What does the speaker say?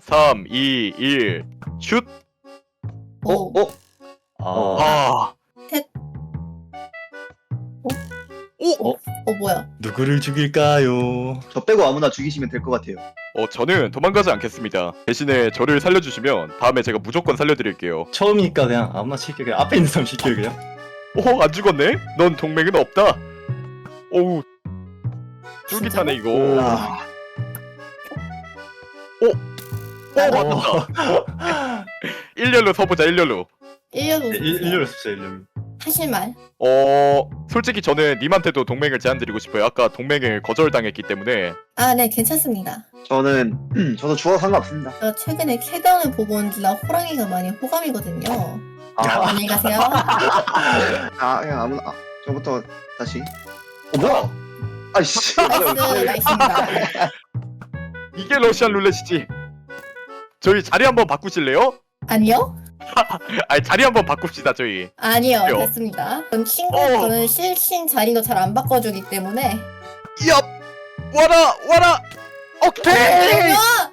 3, 2, 1, 슛! 오. 아. 셋. 오! 뭐야? 누구를 죽일까요? 저 빼고 아무나 죽이시면 될 것 같아요. 저는 도망가지 않겠습니다. 대신에 저를 살려주시면 다음에 제가 무조건 살려드릴게요. 처음이니까 그냥 아무나 시켜. 그냥 앞에 있는 사람 시켜 그냥. 오, 안 죽었네? 넌 동맹은 없다. 오우. 쫄깃하네, 이거. 아, 맞다. 일렬로 서보자, 일렬로. 일렬로 일렬로 쓰세요 일렬로. 하실 말? 솔직히 저는 님한테도 동맹을 제안드리고 싶어요. 아까 동맹을 거절당했기 때문에. 아, 네, 괜찮습니다. 저도 죽어도 상관없습니다. 저 최근에 캐던을 보고 온지라 호랑이가 많이 호감이거든요. 안녕히 가세요. 그냥 아무나. 저부터 다시. 뭐야? 아이씨. 나이스입니다. 이게 러시안 룰렛이지. 저희 자리 한번 바꾸실래요? 아니요? 아니, 자리 한번 바꿉시다, 저희. 아니요, 왜요? 됐습니다. 전 친구는 실신 자리도 잘 안 바꿔주기 때문에. 얍! 와라! 오케이! 아,